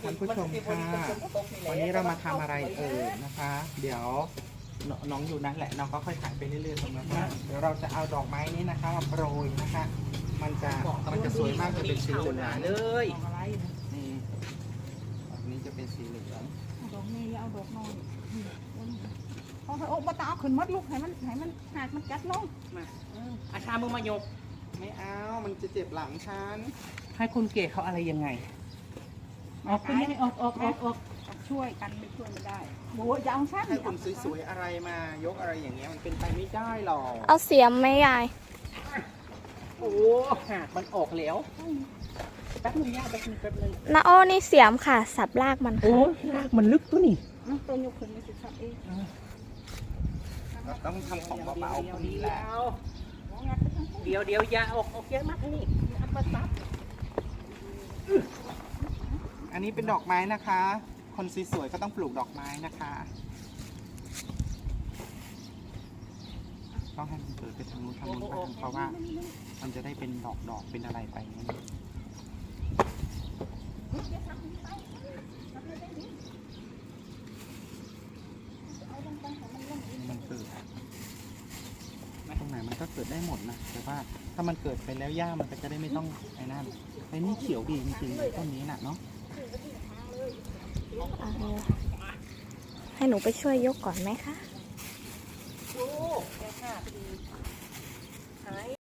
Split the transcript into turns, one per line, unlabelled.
ท่านผู้ชมค่ะวันนี้เรามาทำอะไรนะคะ เดี๋ยวน้องอยู่นั่นแหละน้องก็ค่อยถ่ายไปเรื่อยๆตรงนั้นนะเดี๋ยวเราจะเอาดอกไม้นี้นะคะมาโปรยนะคะ มันจะสวยมากจะเป็นสีเหลืองเลยนี่ดอกนี้จะเป็นสีเหลือง
ดอกนี้เอาดอกน้อยเอาโอ้มาตาเอาขึ้นมัดลูกให้มันหากมันกัดลง
มาอาชามือมายกไม่เอามันจะเจ็บหลังฉันให้คุณเก๋เขาอะไรยังไงออกคุณไม่ออก
ช่วยกันไม่ช่วยไม่ได้โอ้ยอย่าเอาสั้น
ให้คุณสวยๆอะไรมายกอะไรอย่างเงี้ยมันเป็นไปไม่ได้หรอก
เอาเสียมไหมยาย
โอ้หักมันออกแล้วแป๊บนึงย่าแป๊บนึง
นาโอ้นี่เสียมค่ะ สับรากมัน
โอ้รากมันลึกตัวนี่
ตัวยกขึ้นไม่สิครับเอง
เราต้องทำของเบาๆคนนี้แหละ
เดี๋ยวอย่าออกเยอะมากนี่อัดมาซับ
อันนี้เป็นดอกไม้นะคะ คนสวยๆก็ต้องปลูกดอกไม้นะคะต้องให้มันเกิดไปทางนู้นบ้างเพราะว่ามันจะได้เป็นดอกเป็นอะไรไปนี่มันเกิดตรงไหนมันก็เกิดได้หมดนะแต่ว่าถ้ามันเกิดไปแล้วหญ้ามันก็จะได้ไม่ต้องไอ้นั่นไอ้นี่เขียวดีจริงๆต้นนี้น่ะเนาะ
ให้หนูไปช่วยยกก่อนไหมคะ
โอ้แค่5 ปีหาย